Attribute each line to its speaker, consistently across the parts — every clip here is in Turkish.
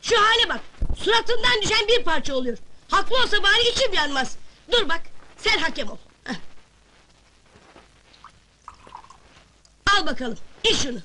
Speaker 1: Şu hale bak! Suratından düşen bir parça oluyor. Haklı olsa bari içim yanmaz. Dur bak, sen hakem ol. Heh. Al bakalım, iç şunu.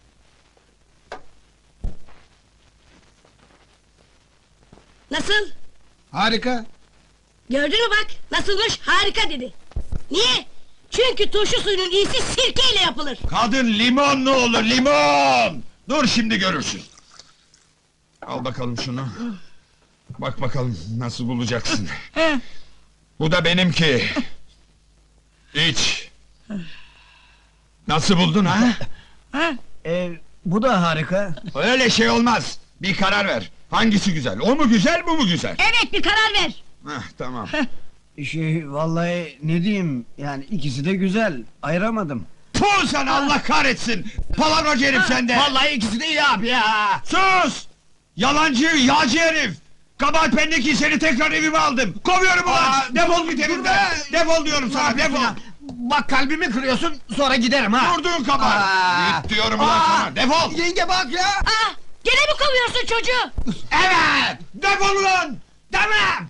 Speaker 1: Nasıl?
Speaker 2: Harika.
Speaker 1: Gördün mü bak, nasılmış? Harika dedi. Niye? Çünkü turşu suyunun iyisi sirkeyle yapılır.
Speaker 3: Kadın limon ne olur, limon! Dur şimdi görürsün. Al bakalım şunu. Bak bakalım nasıl bulacaksın. Bu da benimki. İç. Nasıl buldun ha?
Speaker 2: Bu da harika.
Speaker 3: Öyle şey olmaz. Bir karar ver. Hangisi güzel? O mu güzel, bu mu güzel?
Speaker 1: Evet, bir karar ver.
Speaker 3: Heh, tamam.
Speaker 2: Vallahi ne diyeyim, yani ikisi de güzel, ayıramadım.
Speaker 3: Puh sana, Allah kahretsin! Palavracı herif sende!
Speaker 2: Vallahi ikisi de iyi abi ya!
Speaker 3: Sus! Yalancı, yağcı herif! Kabahat bendeki, seni tekrar evime aldım! Kovuyorum ulan! Defol git evimden! Defol diyorum sana, defol!
Speaker 2: Bak kalbimi kırıyorsun, sonra giderim ha!
Speaker 3: Vurduğun kabahat! Git diyorum ulan sana, defol!
Speaker 2: Yenge bak ya!
Speaker 1: Ah, gene mi kovuyorsun çocuğu?
Speaker 3: Evet! Defol ulan!
Speaker 2: Tamam!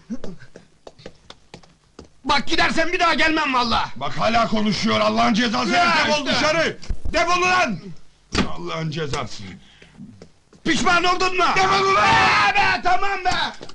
Speaker 2: Bak gidersen bir daha gelmem valla!
Speaker 3: Bak hala konuşuyor, Allah'ın cezası
Speaker 2: Ya
Speaker 3: herif! Defol
Speaker 2: işte!
Speaker 3: dışarı! Defol ulan! Allah'ın cezası!
Speaker 2: Pişman oldun mu?
Speaker 3: Defol ulan!
Speaker 2: Be tamam be!